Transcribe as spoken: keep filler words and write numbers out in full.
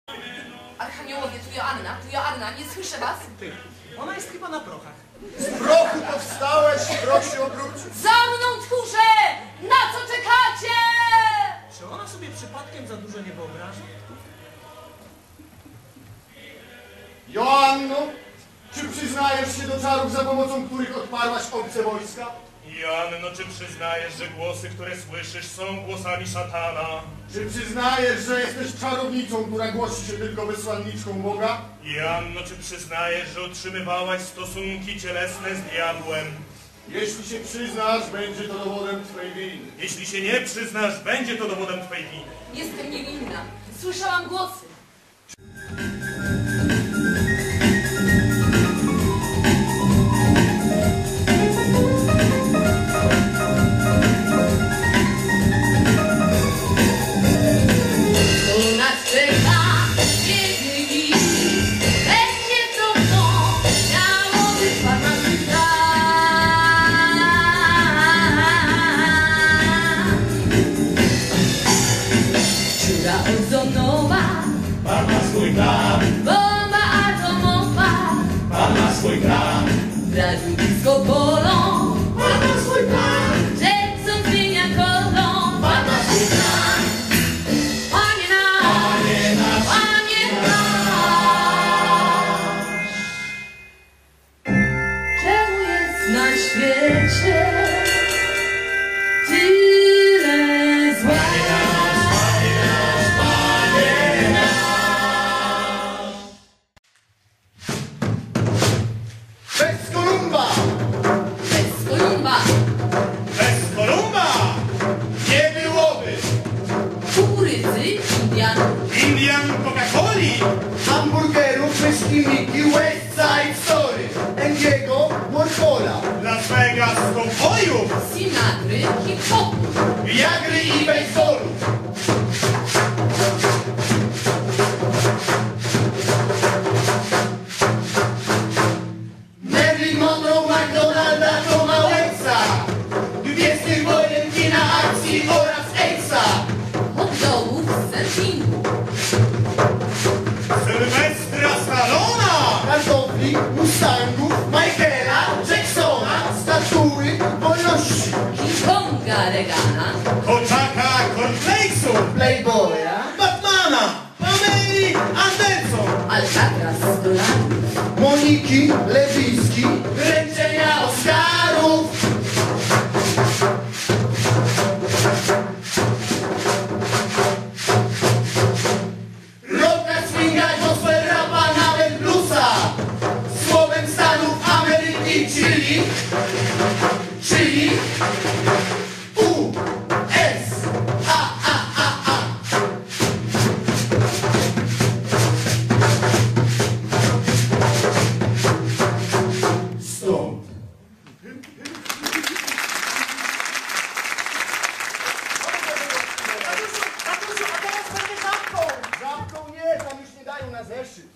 Archaniołowie, tu Joanna, tu Joanna, nie słyszę was? Ty, ona jest chyba na prochach. Z prochu powstałeś, proch się obrócił. Za mną, tchórze! Na co czekacie? Czy ona sobie przypadkiem za dużo nie wyobraża? Joanno, czy przyznajesz się do czarów, za pomocą których odparłaś obce wojska? Joanno, czy przyznajesz, że głosy, które słyszysz, są głosami szatana? Czy przyznajesz, że jesteś czarownicą, która głosi się tylko wysłanniczką Boga? Joanno, czy przyznajesz, że utrzymywałaś stosunki cielesne z diabłem? Jeśli się przyznasz, będzie to dowodem twojej winy. Jeśli się nie przyznasz, będzie to dowodem twojej winy. Jestem niewinna. Słyszałam głosy. Pan ma swój plan, Bomba atomowa, Pan ma swój plan, razu blisko polą, Pan ma swój plan, Jetson zmienia kolą, Pan ma swój plan. Panie nasz, Panie nasz, Panie nasz, czemu jest na świecie tyle zła? Bez Kolumba! Bez Kolumba, bez Kolumba nie byłoby kukurydzy, Indian, Indian Coca-Coli, Hamburgerów, myszki Miki, West Side Story, Endiego, Warhola, Las Vegas kowbojów, Sinatry, hip-hopu, Viagry i baseballu. Marilyn Monroe, McDonalda, Toma Waitsa, Gwiezdnych Wojen, kina akcji oraz Aidsa. hot dogów z surfingu, Sylwestra Stallona, Kartofli, Mustangów, Michaela, Jacksona, statuły wolności, King Konga, Regana, Koczaka Cornflakesów, Playboya, Batmana, Pameli Anderson, Alcatraz, dolarów, Moniki, Lewiski, wręczenia Oscarów. Rocka, swinga, gospel, rapa, nawet bluesa. Słowem Stanów Ameryki, czyli, czyli U, S, A, A, A, A. Stąd. Tatusiu, tatusiu, a teraz pewnie zamką! Zamką nie, tam już nie dają na zeszyt.